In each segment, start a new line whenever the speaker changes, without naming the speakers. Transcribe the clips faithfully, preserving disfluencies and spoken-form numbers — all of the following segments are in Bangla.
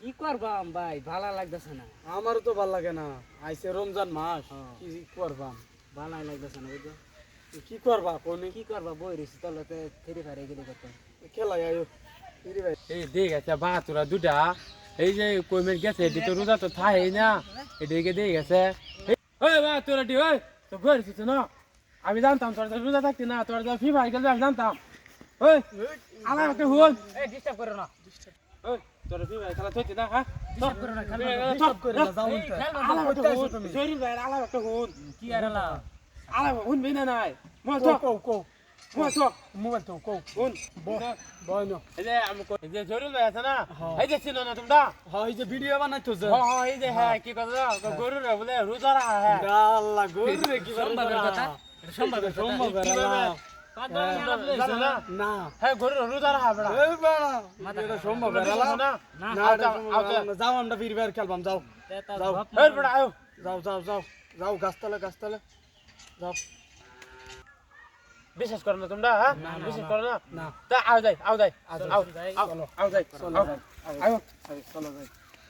কি করবাম ভাই ভালো লাগতেছে না।
আমারও তো ভাল লাগে না, আইছে রমজান মাস, কি করবাম,
ভালো লাগতেছে না বুঝছো।
কি করবা কোনি,
কি করবা বই রয়েছি তলতে ফেরি ফারে গেলে করতে
খেলাই আয়ো ইরি ভাই।
এই দেখ আছে বা তোরা দুটা এই যে কইমের গেছে এটি তো রোজা তো থাই না এদিকে দিয়ে গেছে। ওই বা তোরা দি ওই তো ঘর এসেছে না, আমি জানতাম তোরা তো রোজা থাকতি না, তোরা তো ফি ভাই গেলে আমি জানতাম। ওই আমার একটা হুন
এই ডিস্টার্ব করো না।
ওই তোরা ফি ভাই খেলা থইতি না হ্যাঁ
ডিস্টার্ব করো না খেলো না।
সব করে
না যাও উল্টা
আলা একটা হুন জরি ভাই আলা একটা হুন
কি আর হলা
আলা হুন বিনা নাই মো
কো
তো
কো কো
মো তো
মোবাইল তো কো
হুন
বয় না।
এই যে আমি এই যে জরি ভাই আছে না এই যে চিনো না তোমরা।
হ্যাঁ এই যে ভিডিও বানাইতো যে,
হ্যাঁ হ্যাঁ এই যে হ্যাঁ কি কথা গরু রে বলে রোজা রাখা হ্যাঁ
আল্লাহ গরু রে কি
সম্ভবের কথা এটা সম্ভবের কথা।
সম্ভব
জানো না
না,
হ্যাঁ গরু রোজা রাখা বেড়া
এই বাড়া এটা সম্ভব না,
না
না এটা সম্ভব না। যাও আমরা ফিরি বের খেলবাম, যাও যাও
এই বেড়া আয়ো
যাও যাও যাও যাও গাছতলা গাছতলা যাও।
বিশ্বাস করো না তোমরা হ্যাঁ বিশ্বাস করো না
না
তা আও যাই আও যাই আও আও আও যাই
চলো
আও আয়ো
চলো যাই।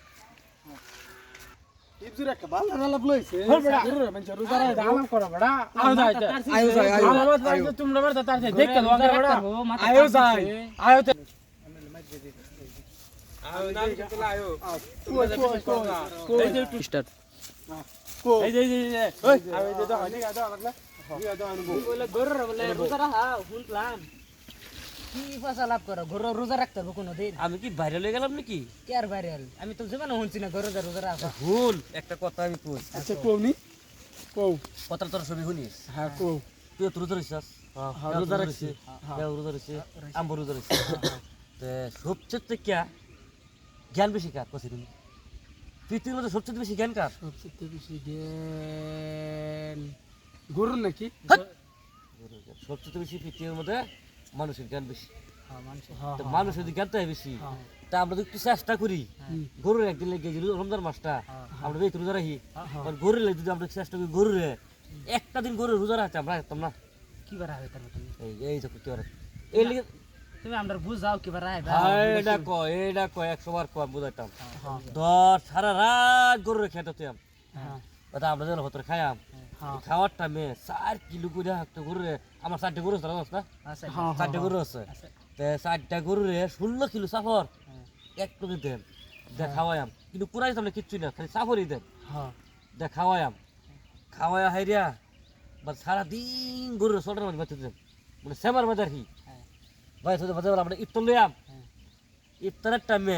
ইবজুর একটা ভালো রালাপ লইছে
হল বেড়া।
গরু রে মানে রোজা রাখা দাও।
আলাম করো বেড়া আও যাই
আয়ো যাই আয়ো
আমার মত
আয়ো
তোমরা মারতে তার দেখতে লঙ্গা বেড়া
আয়ো যাই
আয়ো তে আয়ো না চলে আয়ো
কই কই কই
এই যে
স্টার্ট
কই
এই যে এই যে ওই আয়ো এই যে দাও ঠিক আছে দাও লাগলা ঠিক আছে দাও আনবো
বলে গরু বলে রোজা রাখা শুনলাম। কি পয়সা লাভ করো গরু রোজা রাখতে হবে কোনো দিন?
আমি কি ভাইরাল হয়ে গেলাম নাকি?
কে আর ভাইরাল? আমি তো জীবনে শুনছি না গরু রোজা রাখা।
ভুল একটা কথা আমি কই,
আচ্ছা কোনি কও
কথা তোর ছবি শুনিস,
হ্যাঁ কও
তুই তো রোজা রইছিস,
হ্যাঁ, রোজা রাখছি।
হ্যাঁ রোজা রইছি, আম্বু রোজা রইছি, তে সবচেয়ে থেকে জ্ঞান বেশি কার কইছিস তুমি? পৃথিবীর মধ্যে সবচেয়ে বেশি জ্ঞান কার?
সবচেয়ে বেশি জ্ঞান গরুর নাকি?
গরুর জ্ঞান। সবচেয়ে বেশি পৃথিবীর মধ্যে মানুষের জ্ঞান বেশি।
হ্যাঁ মানুষ
হ্যাঁ
তো মানুষের যদি জ্ঞানটা বেশি, তা আমরা তো একটু চেষ্টা করি গরুর একদিন লেগে যে রমজান মাসটা আমরা বেশ রোজা রাখি, গরুর লেগে যদি আমরা চেষ্টা করি গরুরে একটা দিন গরুর রোজা রাখতে আমরা রাখতাম না।
কি বার হবে তার তুমি?
এই এই যে করতে পারে এই লিগে
তুমি আমরা বুঝাও কি বার হবে?
এটা কয় এটা কয় একশো বার কয় বুঝাইতাম। দশ সারা রাত গরুরে খেতাম,
হ্যাঁ
ওটা আমরা যেন ভেতরে খাইয়াম,
হ্যাঁ
খাওয়ার টাইমে চার কিলো করে একটা গরুরে, আমার চারটে গরু আছে না,
আচ্ছা
হ্যাঁ
চারটে গরু আছে, তে চারটা গরুরে ষোলো কিলো সাফর এক কেজি দেন, দেখ খাওয়াইয়াম, কিন্তু পুরাই তাহলে কিচ্ছু না, খালি সাফরই দেন,
হ্যাঁ
দেখ খাওয়াইয়াম, খাওয়াইয়া হাইরিয়া বা সারাদিন গরুর সোটার মাঝে বাঁচতে দেন, মানে সেমার মাঝে আর কি ভাই সাথে বাজে আমরা ইফতার লইয়াম, ইফতারের টাইমে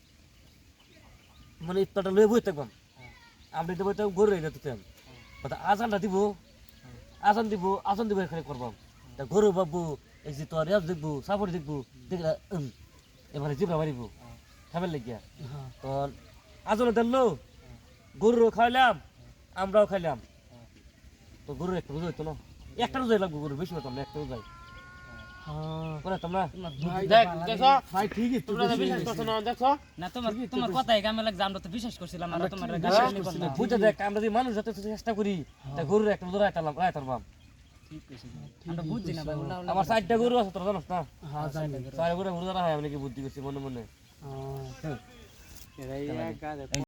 মানে ইফতারটা লয়ে বই থাকবাম, আমরা এটা বইতাম গরু রেখে দিতাম, আজানটা দিব, আজান দিব, আজান দিব এখানে করবাম, তা গরু বাবু এই যে তোর রেস দেখবো, সাপড় দেখবো, দেখলা এবারে জিবরা মারিব খাবার লেগিয়া, তো আজনে দিল গরুরও খাইলাম আমরাও খাইলাম, তো গরু একটা রোজা হইতো না, একটা রোজাই লাগবো গরু, বেশি হতাম না, একটা রোজাই করে তোমরা
দেখ দেখো
ভাই ঠিকই তো
তোমরা তো বিশ্বাস করছো না দেখো
না তোমার তোমার কথাই কামে লাগছে, আমরা তো বিশ্বাস করছিলাম, আমরা তোমার বিশ্বাস নি করলাম।
বুঝতে দেখ আমরা যদি মানুষ যত চেষ্টা করি তা গরুর একটা রোজা রাখতাম রাখতাম
ঠিক কইছিস আমরা বুঝছি না ভাই উল্লা উল্লা
আমার চারটা গরু আছে তোরা জানোস না,
হ্যাঁ জানি
চার গরু রোজা রাখা আমি নাকি বুদ্ধি করছি মনে মনে।
হ্যাঁ
এরাই কাজ